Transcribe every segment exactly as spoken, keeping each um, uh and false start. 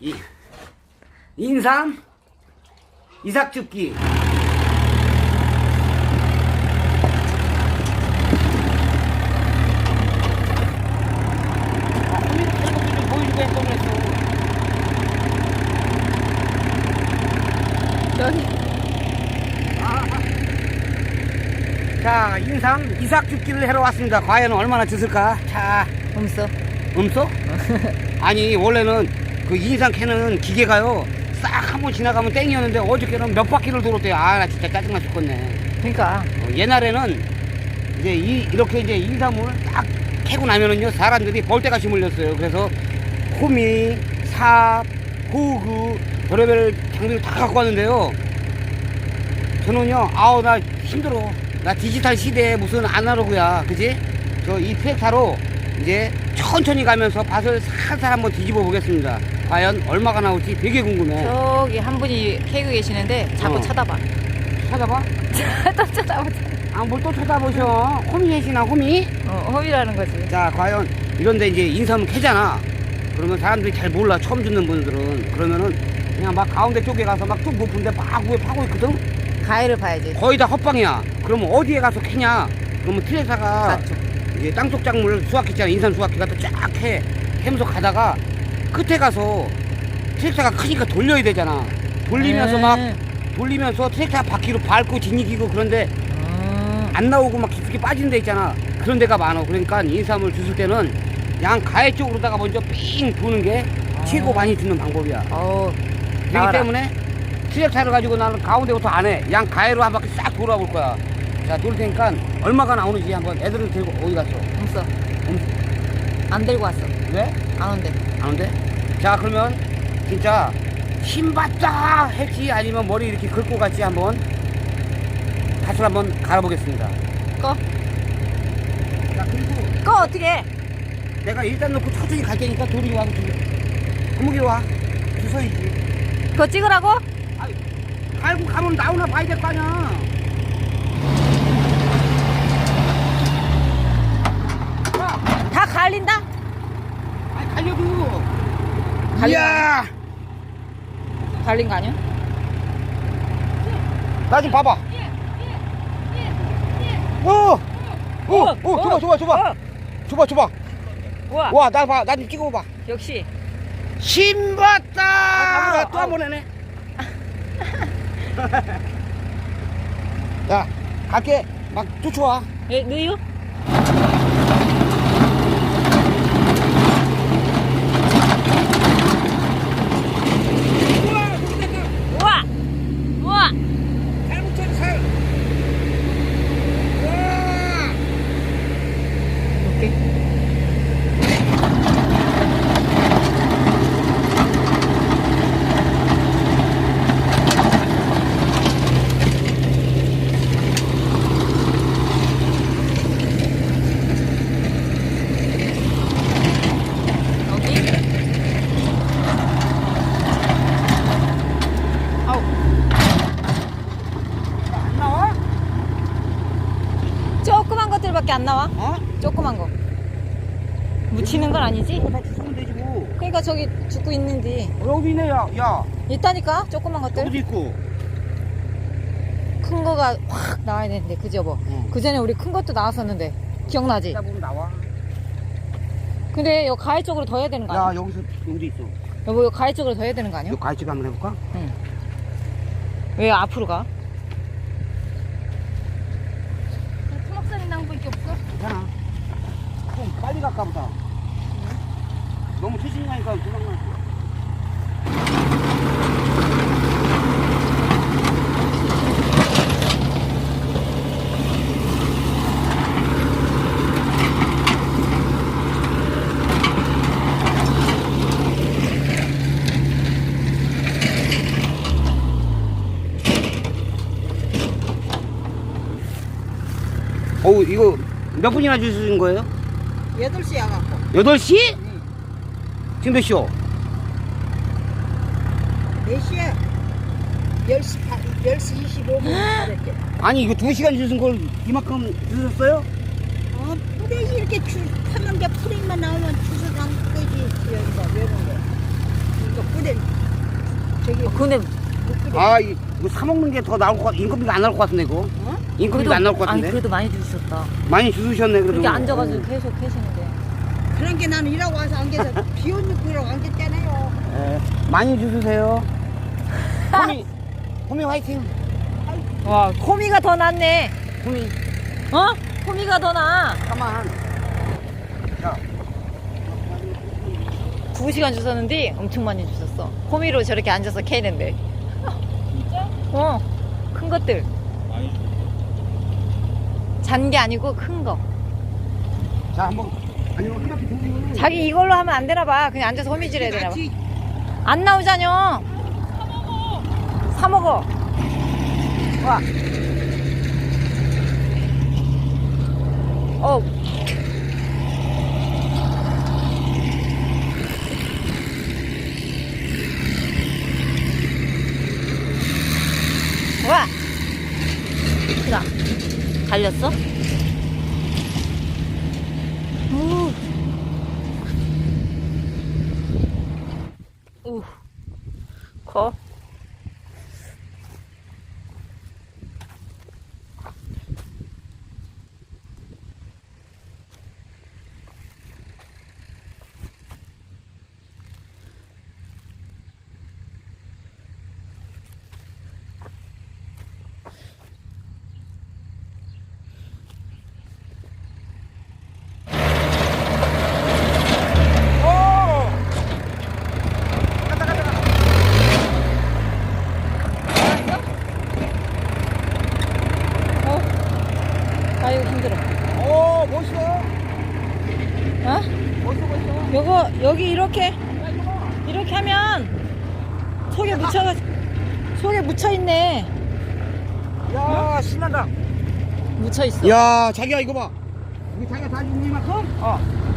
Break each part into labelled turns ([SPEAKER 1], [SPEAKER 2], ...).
[SPEAKER 1] 이, 인삼 이삭죽기.
[SPEAKER 2] 저기.
[SPEAKER 1] 자, 인삼 이삭죽기를 하러 왔습니다. 과연 얼마나 주실까? 자,
[SPEAKER 2] 없어.
[SPEAKER 1] 음소? 아니, 원래는 그 인삼 캐는 기계가요, 싹 한번 지나가면 땡이었는데 어저께는 몇 바퀴를 돌았대요. 아, 나 진짜 짜증나 죽겠네.
[SPEAKER 2] 그러니까.
[SPEAKER 1] 어, 옛날에는 이제 이, 이렇게 이제 인삼을 딱 캐고 나면은요, 사람들이 벌떼같이 물렸어요. 그래서 호미, 삽, 호구, 별의별 장비를 다 갖고 왔는데요. 저는요, 아우, 나 힘들어. 나 디지털 시대에 무슨 아날로그야, 그지? 저 이 트랙타로 이제 천천히 가면서 밭을 살살 한번 뒤집어 보겠습니다. 과연 얼마가 나올지 되게 궁금해.
[SPEAKER 2] 저기 한 분이 캐고 계시는데 자꾸
[SPEAKER 1] 어.
[SPEAKER 2] 쳐다봐.
[SPEAKER 1] 찾아봐?
[SPEAKER 2] 또 쳐다보자.
[SPEAKER 1] 아, 뭘 또 쳐다보셔. 호미 계시나, 호미?
[SPEAKER 2] 어, 허비라는 거지.
[SPEAKER 1] 자, 과연 이런데 이제 인삼을 캐잖아. 그러면 사람들이 잘 몰라, 처음 듣는 분들은. 그러면은 그냥 막 가운데 쪽에 가서 막 좀 높은데 막 위에 파고 있거든.
[SPEAKER 2] 가해를 봐야지.
[SPEAKER 1] 거의 다 헛방이야. 그러면 어디에 가서 캐냐? 그러면 트레사가
[SPEAKER 2] 맞죠.
[SPEAKER 1] 이제 땅속 작물 수확했잖아. 인삼 수확기가 또 쫙 캐. 캐면서 가다가 끝에 가서 트랙터가 크니까 돌려야 되잖아. 돌리면서 막
[SPEAKER 2] 음.
[SPEAKER 1] 돌리면서 트랙터 바퀴로 밟고 지니기고. 그런데
[SPEAKER 2] 음.
[SPEAKER 1] 안 나오고 막 깊숙이 빠진 데 있잖아. 그런 데가 많아. 그러니까 인삼을 주실 때는 양 가해 쪽으로다가 먼저 삥 도는 게
[SPEAKER 2] 아.
[SPEAKER 1] 최고 많이 주는 방법이야.
[SPEAKER 2] 어우.
[SPEAKER 1] 그렇기
[SPEAKER 2] 나와라.
[SPEAKER 1] 때문에 트랙터를 가지고 나는 가운데부터 안 해. 양 가해로 한 바퀴 싹 돌아볼 거야. 자, 돌 테니까 얼마가 나오는지 한번. 애들을 들고 어디 갔어?
[SPEAKER 2] 없어.
[SPEAKER 1] 음,
[SPEAKER 2] 안 들고 왔어.
[SPEAKER 1] 왜?
[SPEAKER 2] 안 온대.
[SPEAKER 1] 안 온대? 자, 그러면 진짜 힘받다 했지 아니면 머리 이렇게 긁고 갔지 한번 밭을 한번 갈아보겠습니다.
[SPEAKER 2] 꺼.
[SPEAKER 1] 자, 그리고
[SPEAKER 2] 꺼 어떻게 해?
[SPEAKER 1] 내가 일단 놓고 천천히 갈 테니까 돌이 와서 두 구멍이 와. 주서이지.
[SPEAKER 2] 그거 찍으라고?
[SPEAKER 1] 아이, 갈고 가면 나오나 봐야 될 거 아니야.
[SPEAKER 2] 다 갈린다?
[SPEAKER 1] 아이, 갈려도.
[SPEAKER 2] 갈린
[SPEAKER 1] 이야,
[SPEAKER 2] 갈린 거 아니야?
[SPEAKER 1] 나 좀 봐봐. 오, 오,
[SPEAKER 2] 어,
[SPEAKER 1] 오,
[SPEAKER 2] 어,
[SPEAKER 1] 줘봐, 줘봐, 줘봐,
[SPEAKER 2] 어.
[SPEAKER 1] 줘봐, 줘봐.
[SPEAKER 2] 우와.
[SPEAKER 1] 와, 나 봐, 나 좀 찍어봐.
[SPEAKER 2] 역시.
[SPEAKER 1] 신봤다.
[SPEAKER 2] 아,
[SPEAKER 1] 또 한 번 해네. 야, 갈게. 막 쫓아와.
[SPEAKER 2] 예, 너요? 우와. 우와.
[SPEAKER 1] 잘 붙여, 잘. 와.
[SPEAKER 2] 오케이.
[SPEAKER 1] 안 나와?
[SPEAKER 2] 조그만 것들밖에 안 나와?
[SPEAKER 1] 어?
[SPEAKER 2] 조그만 거. 묻히는 건 아니지?
[SPEAKER 1] 이거 다 주면 되지 뭐.
[SPEAKER 2] 그러니까 저기 죽고 있는지.
[SPEAKER 1] 어, 여기 있네, 야. 야,
[SPEAKER 2] 있다니까? 조그만 것들.
[SPEAKER 1] 여기도 있고.
[SPEAKER 2] 큰 거가 확 나와야 되는데, 그지 여보?
[SPEAKER 1] 응.
[SPEAKER 2] 그 전에 우리 큰 것도 나왔었는데. 기억나지?
[SPEAKER 1] 이따 보면 나와.
[SPEAKER 2] 근데 여 가해 쪽으로 더 해야 되는 거
[SPEAKER 1] 야,
[SPEAKER 2] 아니야?
[SPEAKER 1] 여기서, 여기도 있어.
[SPEAKER 2] 여보, 여 가해 쪽으로 더 해야 되는 거 아니야?
[SPEAKER 1] 이거 갈치 한번 해볼까?
[SPEAKER 2] 응. 왜 앞으로 가? 토막살이 난 거밖에 없어?
[SPEAKER 1] 괜찮아. 좀 빨리 갈까 보다. 너무 최신 가니까 도망가. 어우, 이거 몇 분이나 주신 거예요?
[SPEAKER 3] 여덟 시 와갖고.
[SPEAKER 1] 여덟 시? 지금 몇 시요?
[SPEAKER 3] 몇 시야? 열 시, 열 시 이십오 분 가랬대.
[SPEAKER 1] 아니, 이거 두 시간 주신 걸 이만큼 주셨어요?
[SPEAKER 3] 어, 뿌레기 이렇게 줄, 타면 게 뿌레기만 나오면 주워 담그지. 여기가, 이런 거. 이거 뿌레기.
[SPEAKER 2] 근데
[SPEAKER 1] 아, 이- 이거 사 먹는 게 더 나올 것 같, 인건비가 안 나올 것 같은데 이거.
[SPEAKER 3] 어?
[SPEAKER 1] 인건비가 안 나올 것 같은데.
[SPEAKER 2] 아니 그래도 많이 주셨다.
[SPEAKER 1] 많이 주셨네 그래도.
[SPEAKER 2] 그렇게 앉아가지고
[SPEAKER 1] 어.
[SPEAKER 2] 계속 계시는데.
[SPEAKER 3] 그런 게 나는 일하고 와서 안겨서 비 오는 거라고 안겼잖아요.
[SPEAKER 1] 예, 많이 주세요. 호미, 호미 화이팅.
[SPEAKER 2] 와 호미가 더 낫네.
[SPEAKER 1] 호미,
[SPEAKER 2] 어? 호미가 더 나아.
[SPEAKER 1] 가만. 자,
[SPEAKER 2] 두 시간 주셨는데 엄청 많이 주셨어. 호미로 저렇게 앉아서 캐는데. 진짜? 어. 큰 것들. 잔 게 아니고 큰 거.
[SPEAKER 1] 자 한번. 아니 이거 한 바퀴 돌리면.
[SPEAKER 2] 자기 이걸로 하면 안 되나 봐. 그냥 앉아서 호미질 해야 되나 봐.
[SPEAKER 1] 같이.
[SPEAKER 2] 안 나오자뇨. 사 먹어. 와. 어. 와. 크다. 갈렸어? 우. 우. 커. 아이고 힘들어.
[SPEAKER 1] 오 멋있어.
[SPEAKER 2] 어?
[SPEAKER 1] 멋있어 멋있어.
[SPEAKER 2] 요거 여기 이렇게 이렇게 하면 속에 묻혀가 속에 묻혀 있네.
[SPEAKER 1] 야 신난다.
[SPEAKER 2] 묻혀 있어.
[SPEAKER 1] 야 자기야 이거 봐. 이게 자기가 다 주는 이만큼? 어.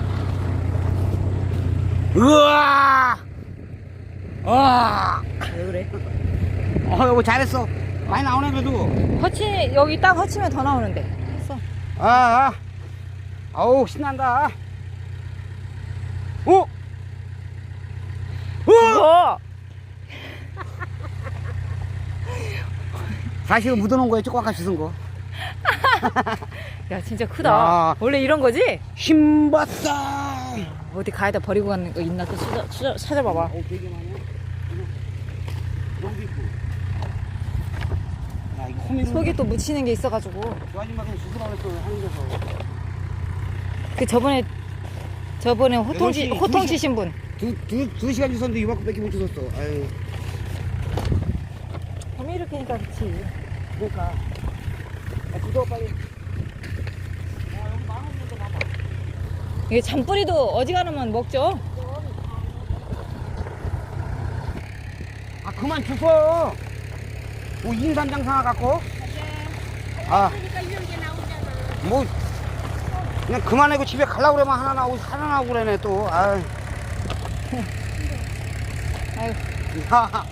[SPEAKER 1] 우와. 와.
[SPEAKER 2] 왜 그래?
[SPEAKER 1] 어 여보 잘했어. 많이 나오네 그래도.
[SPEAKER 2] 허치 여기 딱 허치면 더 나오는데. 했어.
[SPEAKER 1] 아, 아. 아우 신난다. 오. 오.
[SPEAKER 2] 그거
[SPEAKER 1] 사실은 묻어놓은 거에 조금만 주는 거.
[SPEAKER 2] 야 진짜 크다.
[SPEAKER 1] 야.
[SPEAKER 2] 원래 이런 거지?
[SPEAKER 1] 힘봤다.
[SPEAKER 2] 어디 가에다 버리고 가는 거 있나 또 찾아, 찾아, 찾아봐봐.
[SPEAKER 1] 오 되게 많네. 여기 있고. 야 이거 호미로.
[SPEAKER 2] 속에 또 묻히는 게 있어가지고.
[SPEAKER 1] 저 아줌마 그냥 주스라 그랬어 하는 데서.
[SPEAKER 2] 그 저번에 저번에 호통 치
[SPEAKER 1] 여덟 시,
[SPEAKER 2] 호통
[SPEAKER 1] 두 시-
[SPEAKER 2] 치신 분.
[SPEAKER 1] 두, 두, 두 시간 주셨는데 이만큼밖에 못 주셨어. 아유.
[SPEAKER 2] 범이 이렇게 하니까 그렇지.
[SPEAKER 1] 그러니까. 야, 주도 빨리.
[SPEAKER 2] 이게 잔뿌리도 어지간하면 먹죠.
[SPEAKER 1] 아, 그만 주소. 뭐, 인삼장 사와 갖고. 아. 뭐, 그냥 그만하고 집에 가려고 그러면 하나 나오고, 하나 나오고 그러네, 또. 아유.
[SPEAKER 2] 아유.
[SPEAKER 1] 야.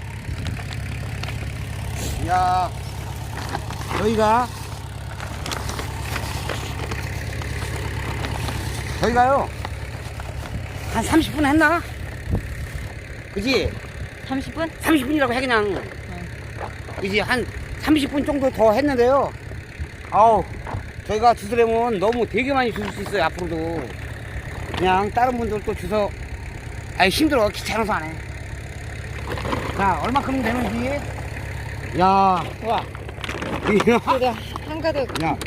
[SPEAKER 1] 야. 저희가. 저희가요. 한 삼십 분 했나? 그지?
[SPEAKER 2] 삼십 분?
[SPEAKER 1] 삼십 분이라고 해, 그냥. 그지? 한 삼십 분 정도 더 했는데요. 아우, 저희가 주스려면 너무 되게 많이 주실 수 있어요, 앞으로도. 그냥 다른 분들도 주서, 아니, 힘들어. 귀찮아서 안 해. 자, 얼마큼 되는지. 야,
[SPEAKER 2] 와.
[SPEAKER 1] 이거.
[SPEAKER 2] 그래도 한가득.
[SPEAKER 1] 야.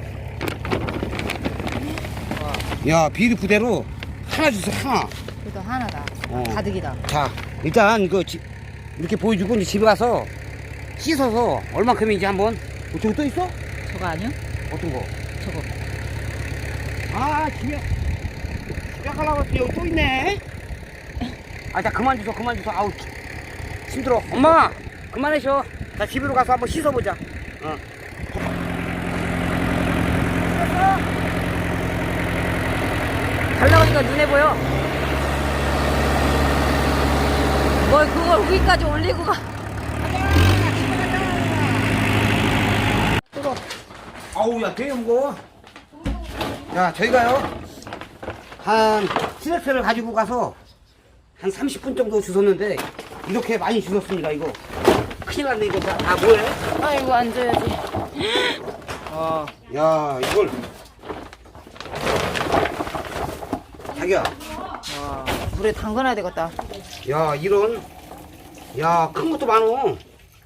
[SPEAKER 1] 야, 비리 부대로 하나 주세요, 하나.
[SPEAKER 2] 그래도 하나다.
[SPEAKER 1] 어.
[SPEAKER 2] 가득이다.
[SPEAKER 1] 자, 일단 이거 지, 이렇게 보여주고 이제 집에 가서 씻어서 얼마큼인지 한번. 어, 저거 또 있어?
[SPEAKER 2] 저거 아니요?
[SPEAKER 1] 어떤 거?
[SPEAKER 2] 저거.
[SPEAKER 1] 아, 집에 집에 가려고 했더니 여기 또 있네. 아, 자 그만 주소, 그만 주소. 아우 힘들어. 엄마, 그만해 쉬어. 자 집으로 가서 한번 씻어보자. 어.
[SPEAKER 2] 잘 나가니까 눈에 보여. 뭘 그걸 위까지 올리고 가.
[SPEAKER 1] 뜯어. 아우, 야, 되게 무거워. 야, 저희가요, 한, 스레스를 가지고 가서, 한 삼십 분 정도 주웠는데, 이렇게 많이 주셨습니다. 이거 큰일 났네. 이거 다, 다 뭐해?
[SPEAKER 2] 아이고, 앉아야지.
[SPEAKER 1] 아, 야, 이걸 자기야,
[SPEAKER 2] 와, 물에 담가놔야 되겠다.
[SPEAKER 1] 야, 이런, 야, 큰 것도 많어.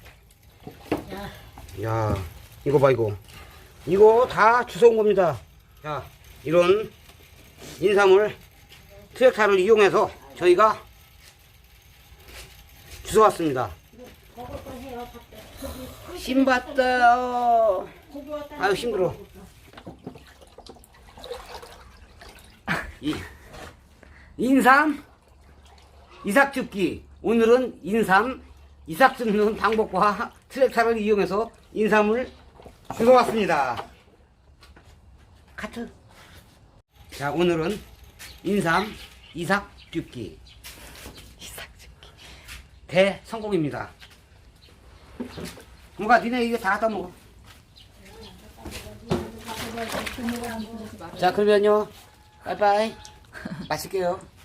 [SPEAKER 1] 야, 이거 봐, 이거. 이거 다 주워온 겁니다. 자, 이런 인삼을 트랙터를 이용해서 저희가 주워왔습니다. 신봤다. 아유, 힘들어. 이, 인삼 이삭 줍기. 오늘은 인삼 이삭 줍는 방법과 트랙터를 이용해서 인삼을 주워왔습니다. 카트. 자, 오늘은 인삼 이삭 줍기
[SPEAKER 2] 이삭 줍기.
[SPEAKER 1] 대성공입니다. 뭔가 니네 이거 다 갖다 먹어. 자, 그러면요. 빠이빠이. 마실게요.